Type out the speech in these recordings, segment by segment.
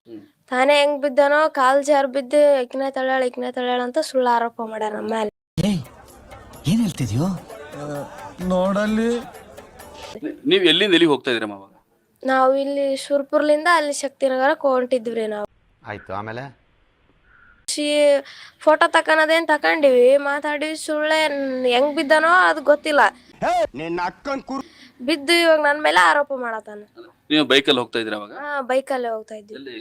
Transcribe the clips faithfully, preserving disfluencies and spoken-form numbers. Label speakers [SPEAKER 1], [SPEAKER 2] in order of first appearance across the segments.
[SPEAKER 1] ತಾನೇ ಹೆಂಗ್ ಬಿದ್ದನೋ ಕಾಲ್ ಜಾರ್ ಬಿದ್ದು ಇಕ್ನ ತಳ್ಯಾಳ ಇಕ್ನ ತಳ್ಯಾಳ ಅಂತ ಸುಳ್ಳು ಆರೋಪ ಮಾಡ್ಯಾರ ನಮ್ಮ ಮೇಲೆ.
[SPEAKER 2] ಏನ್ ಹೇಳ್ತಿದ್ಯೋ
[SPEAKER 3] ನೋಡಲ್ಲಿ.
[SPEAKER 4] ನೀವ್ ಎಲ್ಲಿಂದ ಎಲ್ಲಿಗೆ ಹೋಗ್ತಾ ಇದ್ರಮ್ಮ ಅವಾಗ?
[SPEAKER 1] ನಾವು ಇಲ್ಲಿ ಸುರ್ಪುರ್ಲಿಂದ ಅಲ್ಲಿ ಶಕ್ತಿನಗರಕ್ಕೆ ಹೊಂಟಿದ್ವಿ ನಾವು.
[SPEAKER 2] ಆಯ್ತು, ಆಮೇಲೆ
[SPEAKER 1] ಫೋಟೋ ತಕನದೇನ್ ತಕೊಂಡಿವಿ, ಮಾತಾಡಿವಿ. ಸುಳ್ಳೆ ಹೆಂಗ್ ಬಿದ್ದನೋ ಅದು ಗೊತ್ತಿಲ್ಲ. ಬಿದ್ದು ಇವಾಗ ನನ್ ಮೇಲೆ ಆರೋಪ ಮಾಡತಾನ.
[SPEAKER 4] ನೀವು ಬೈಕಲ್ಲಿ ಹೋಗ್ತಾ ಇದ್ರ ಅವಾಗ?
[SPEAKER 1] ಹಾ, ಬೈಕಲ್ಲೇ ಹೋಗ್ತಾ ಇದ್ವಿ.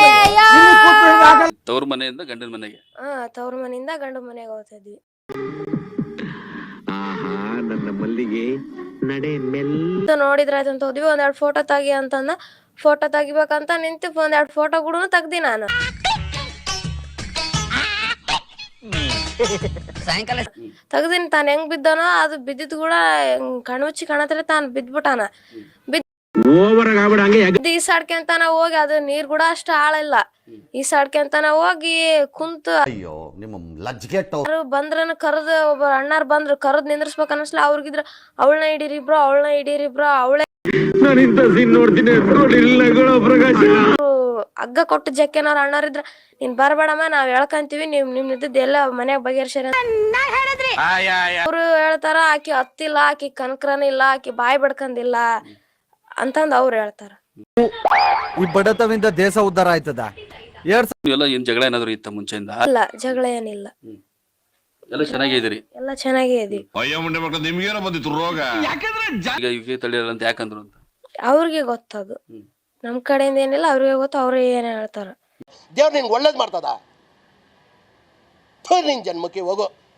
[SPEAKER 4] ತವ್ರ ಮನೆಯಿಂದ ಗಂಡನ ಮನೆಗೆ?
[SPEAKER 1] ಹಾ, ತವ್ರ ಮನೆಯಿಂದ ಗಂಡ ಮನೆಗೆ ಹೋಗ್ತಾ ಇದ್ವಿ.
[SPEAKER 5] ನನ್ನ ಮಲ್ಲಿಗೆ ನಡೆ
[SPEAKER 1] ನೋಡಿದ್ರಾಯ್ತು ಅಂತ ಹೋದ್ವಿ. ಒಂದೆರಡು ಫೋಟೋ ತೆಗಿ ಅಂತಂದ. ಫೋಟೋ ತೆಗಿಬೇಕಂತ ನಿಂತು ಒಂದೆರಡು ಫೋಟೋ ಕೂಡ ತೆಗ್ದಿ ನಾನು. ತೆಗ್ದಿನಿ. ತಾನು ಹೆಂಗ್ ಬಿದ್ದಾನೋ ಅದು ಬಿದ್ದಿದ್ ಕೂಡ ಕಣ್ಮುಚ್ಚಿ ಕಾಣತ್ರ ತಾನು ಬಿದ್ಬಿಟ್ಟಾನ. ಬಿದ್ದು ಈಸಾಡ್ಕೆಂತಾನ ಹೋಗಿ, ಅದು ನೀರ್ ಕೂಡ ಅಷ್ಟು ಆಳಿಲ್ಲ. ಈಸಾಡ್ಕೆಂತಾನ ಹೋಗಿ ಕುಂತು
[SPEAKER 2] ಅಯ್ಯೋ ನಿಮ್ಮ ಲಜ್ಜೆಗೆಟ್ಟ
[SPEAKER 1] ಬಂದ್ರನ ಕರ್ದು ಒಬ್ಬ ಅಣ್ಣಾರ್ ಬಂದ್ರು, ಕರ್ದ್ ನಿಂದ್ರಸ್ಬೇಕ ಅನ್ಸ್ಲ. ಅವ್ರಿಗಿದ್ರ ಅವಳನ್ನ ಹಿಡೀರಿ ಬ್ರೋ, ಅವಳನ್ನ ಹಿಡೀರಿ ಬ್ರೋ, ಅವಳೇ ಹಗ್ಗ ಕೊಟ್ಟು ಜಕ್ಕೆನವ್ರ ಅಣ್ಣಾರಿದ್ರ ನೀನ್ ಬರ್ಬೇಡಮ್ಮ, ನಾವ್ ಹೇಳ್ಕಂತೀವಿ, ನಿಮ್ ನಿಮ್ ಇದ್ದದ್ದು ಎಲ್ಲ ಮನ್ಯಾಗ ಬಗೆಹರ್ಸ್ಯಾರ ಅವ್ರು ಹೇಳ್ತಾರ. ಆಕಿ ಹತ್ತಿಲ್ಲ, ಆಕಿ ಕನಕ್ರನ ಇಲ್ಲ, ಆಕಿ ಬಾಯಿ ಬಡ್ಕಂದಿಲ್ಲ ಅಂತಂದ್ ಅವ್ರು ಹೇಳ್ತಾರ.
[SPEAKER 3] ಈ ಬಡತವಿಂದ ದೇಶ ಉದ್ಧಾರ ಆಯ್ತದ?
[SPEAKER 4] ಎಲ್ಲ ಏನ್ ಜಗಳ ಏನಾದ್ರು ಇತ್ತ ಮುಂಚೆಯಿಂದ?
[SPEAKER 1] ಇಲ್ಲ, ಜಗಳ ಏನಿಲ್ಲ.
[SPEAKER 4] ಎಲ್ಲ ಚೆನ್ನಾಗಿದ್ದೀರಿ?
[SPEAKER 1] ಎಲ್ಲ ಚೆನ್ನಾಗೇ ಇದೀವಿ.
[SPEAKER 5] ನಿಮ್ಗೇನೋ ಬಂದಿತ್ತು ರೋಗ.
[SPEAKER 4] ಈಗ ಯುಕೆ ತಳಿಯಲ್ಲ ಅಂತ ಯಾಕಂದ್ರು ಅಂತ
[SPEAKER 1] ಅವ್ರಿಗೆ ಗೊತ್ತದು. ನಮ್ ಕಡೆಯಿಂದ ಏನಿಲ್ಲ, ಅವ್ರಿಗೆ ಗೊತ್ತು. ಅವ್ರೇ ಏನ್ ಹೇಳ್ತಾರ.
[SPEAKER 6] ದೇವ್ರು ನಿನ್ಗೆ ಒಳ್ಳೇದ್ ಮಾಡ್ತದ. ನಿನ್ ಜನ್ಮಕ್ಕೆ ಹೋಗೋ.